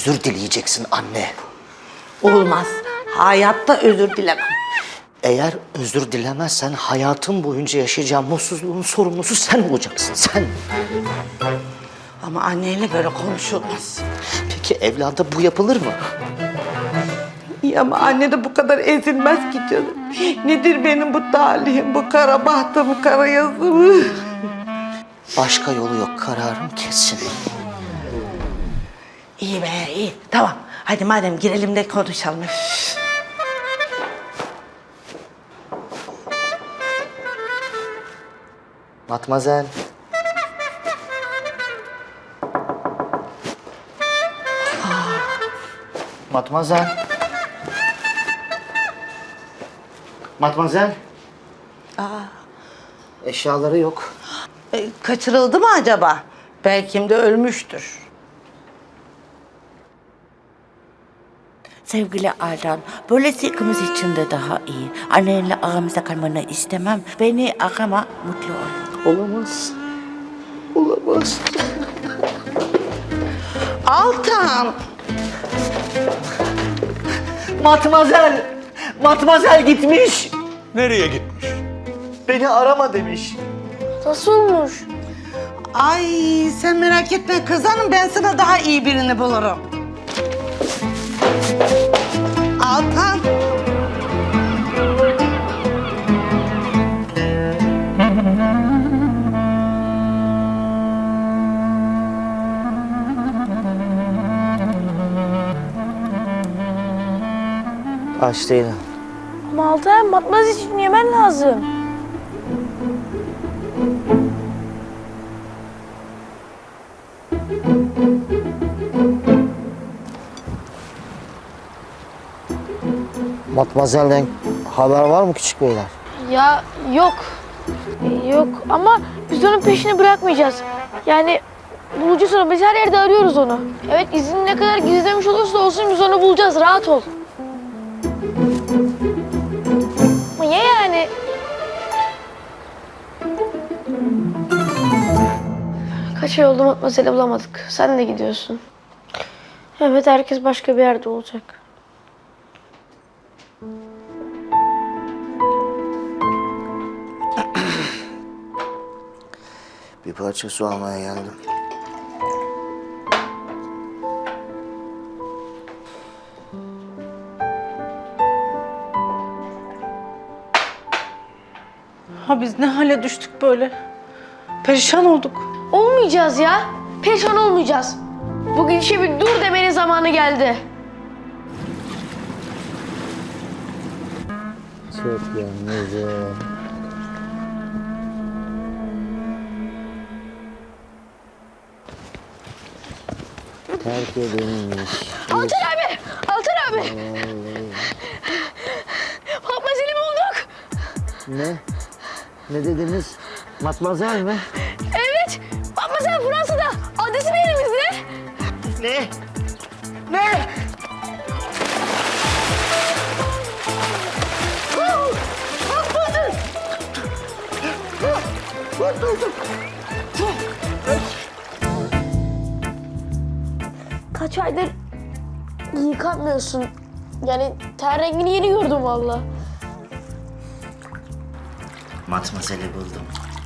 özür dileyeceksin anne. Olmaz. Hayatta özür dilemem. Eğer özür dilemezsen hayatın boyunca yaşayacağım mutsuzluğun sorumlusu sen olacaksın, sen. Ama anneyle böyle konuşulmaz. Peki evlada bu yapılır mı? İyi ama anne de bu kadar ezilmez ki canım. Nedir benim bu talihim, bu kara bahtım, kara yazım? Başka yolu yok, kararım kesin. İyi be, iyi. Tamam. Hadi madem girelim de konuşalım. Üf. Matmazel. Matmazel. Matmazel. Eşyaları yok. Kaçırıldı mı acaba? Belki de ölmüştür. Sevgili Aydan, böylesi ikimiz için de daha iyi. Annenle aramızda kalmanı istemem. Beni arama, mutlu ol. Olamaz. Olamaz. Altan! Matmazel. Matmazel gitmiş. Nereye gitmiş? Beni arama demiş. Nasıl olmuş? Ay sen merak etme kız hanım, ben sana daha iyi birini bulurum. Altan! Aç değilim. Ama Altan batmaz için yemen lazım. Matmazel'den haber var mı küçük beyler? Ya yok. Yok ama biz onun peşini bırakmayacağız. Yani bulacağız onu. Biz her yerde arıyoruz onu. Evet izini ne kadar gizlemiş olursa olsun biz onu bulacağız. Rahat ol. Ama ya yani? Kaç ay oldu Matmazel'i bulamadık. Sen de gidiyorsun. Evet herkes başka bir yerde olacak. Bir parça su almaya geldim. Ha biz ne hale düştük böyle? Perişan olduk. Olmayacağız ya. Perişan olmayacağız. Bugün işe bir dur demenin zamanı geldi. Çok yalnızım. Terk edilmiş. Altan abi! Altan abi! Matmazel'i bulduk. Ne? Ne dediniz? Matmazel mi? Evet. Matmazel Fransa'da. Adresi de elimizde. Ne? Ne? Kaç aydır yıkanmıyorsun. Yani ten rengini yeni gördüm valla. Matmazel'i buldum.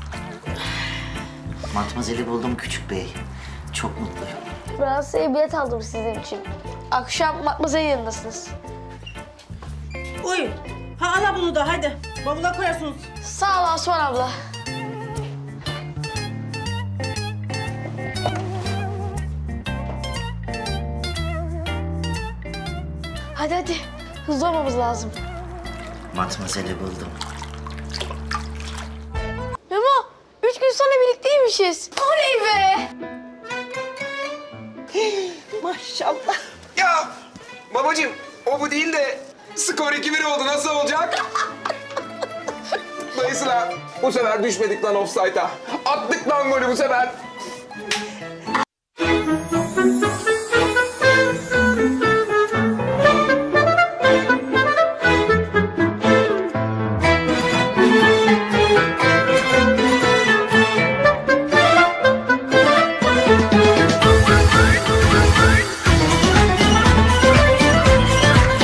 Matmazel'i buldum küçük bey. Çok mutluyum. Fransa'ya bilet aldım sizin için. Akşam Matmazel'in yanındasınız. Uy. Ha ala bunu da hadi. Bavula koyarsınız. Sağ ol Asuman abla. Hadi hadi. Hızlı olmamız lazım. Matmazel'i buldum. Memo, 3 gün sonra birlikteymişiz. Oley be! Maşallah. Ya babacığım o bu değil de skor 2-1 oldu nasıl olacak? Dayısı lan bu sefer düşmedik lan offside'a. Attık lan golü bu sefer.